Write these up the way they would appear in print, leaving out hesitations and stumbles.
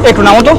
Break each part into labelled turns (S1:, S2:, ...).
S1: একটু নামো তো।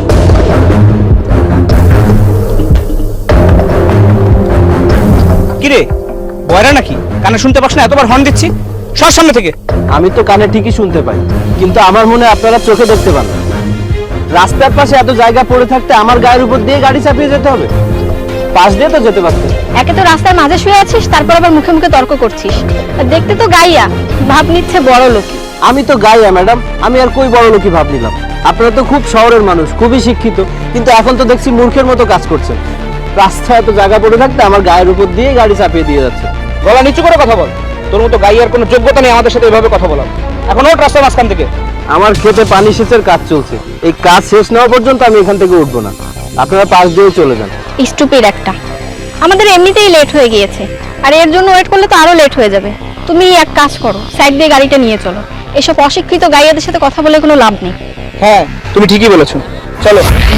S1: কিরে বয়রা নাকি? কানে শুনতে পাস না? এতবার হর্ন দিচ্ছি, সর সামনে থেকে।
S2: আমি তো কানে ঠিকই শুনতে পাই, কিন্তু আমার মনে আপনারা চোখে দেখতে পান না। রাস্তার পাশে এত জায়গা পড়ে থাকতে আমার গায়ের উপর দিয়ে গাড়ি চাপিয়ে যেতে হবে? পাশ দিয়ে তো যেতে পারতেন।
S3: একে তো রাস্তার মাঝে শুয়ে আছিস, তারপর আবার মুখে মুখে তর্ক করছিস। আর দেখতে তো গাইয়া, ভাব নিচ্ছে বড় লোক।
S2: আমি তো গাইয়া ম্যাডাম, আমি আর কই বড় লোকই ভাব নিলাম। আপনারা তো খুব শহরের মানুষ, খুবই শিক্ষিত, কিন্তু এখন তো দেখছি মূর্খের মতো কাজ করছেন। রাস্তায় এত জায়গা পড়ে থাকতে আমার গায়ের উপর দিয়ে গাড়ি চাপিয়ে দিয়ে যাচ্ছে।
S1: গলা নিচু করে কথা বল। তোর মতো গাইয়ার কোনো যোগ্যতা নেই আমাদের সাথে এভাবে কথা বলার। এখন ওঠ রাস্তার মাঝখান থেকে।
S2: আমার খেতে পানি সেচের কাজ চলছে, এই কাজ শেষ না হওয়া পর্যন্ত আমি এখান থেকে উঠবো না। আপনারা পাশ দিয়ে চলে যান।
S3: স্টুপিড একটা। আমাদের এমনিতেই লেট হয়ে গিয়েছে, আর এর জন্য ওয়েট করলে তো আরো লেট হয়ে যাবে। তুমি এক কাজ করো, সাইড দিয়ে গাড়িটা নিয়ে চলো। এসব অশিক্ষিত গাইয়াদের সাথে কথা বলে কোনো লাভ নেই।
S1: হ্যাঁ তুমি ঠিকই বলেছো, চলো।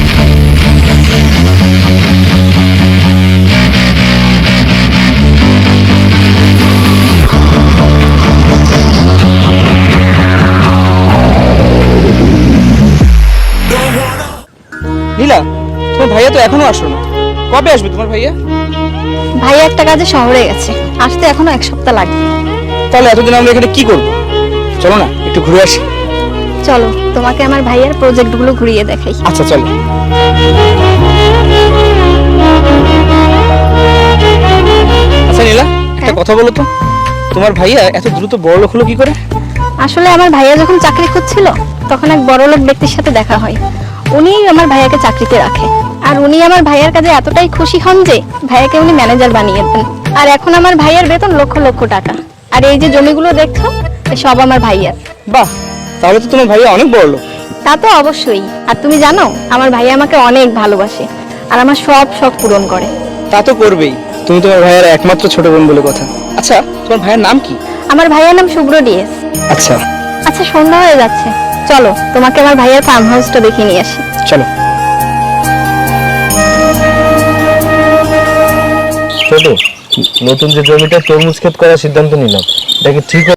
S1: নীলা, তোমার ভাইয়া তো এখনো আসলো না। কবে আসবে তোমার ভাইয়া?
S3: ভাই একটা কাজে শহরে গেছে, আসতে এখনো 1 সপ্তাহ লাগবে।
S1: তাহলে এতদিন আমরা এখানে কি করবো? চলো না একটু ঘুরে আসি।
S3: চলো, তোমাকে আমার ভাইয়ের প্রজেক্টগুলো ঘুরিয়ে দেখাই।
S1: আচ্ছা চলো। আচ্ছা নীলা, একটা কথা বলো তো, তোমার ভাইয়া এত দ্রুত বড়লোক হলো কি করে?
S3: আসলে আমার ভাইয়া যখন চাকরি খুঁজছিল, তখন এক বড়লোক ব্যক্তির সাথে দেখা হয়। উনি আমার ভাইয়াকে চাকরিতে রাখে, আর উনি আমার ভাইয়ার কাজে এতটাই খুশি হন যে ভাইয়াকে উনি ম্যানেজার বানিয়ে দেন। আর এখন আমার ভাইয়ার বেতন লক্ষ লক্ষ টাকা। আর এই যে জমিগুলো দেখছো, সব আমার ভাইয়ার।
S1: বাহ, তাহলে তো তোমার ভাইয়া অনেক বড়লোক।
S3: তা তো অবশ্যই। আর তুমি জানো, আমার ভাইয়া আমাকে অনেক ভালোবাসে, আর আমার সব শখ পূরণ করে।
S1: তা তো করবেই, তুমি তোমার ভাইয়ের একমাত্র ছোট বোন বলে কথা। আচ্ছা তোমার ভাইয়ের নাম কি?
S3: আমার ভাইয়ার নাম শুভ্র ডিএস।
S1: আচ্ছা
S3: আচ্ছা, সন্ধ্যা হয়ে যাচ্ছে, চলো তোমাকে আমার ভাইয়ার ফার্ম হাউসটা দেখিয়ে নিয়ে আসি।
S1: চলো।
S2: ছোট, নতুন যে জমিটা তরমুজ ক্ষেত করার সিদ্ধান্ত নিলাম, এটা কি ঠিক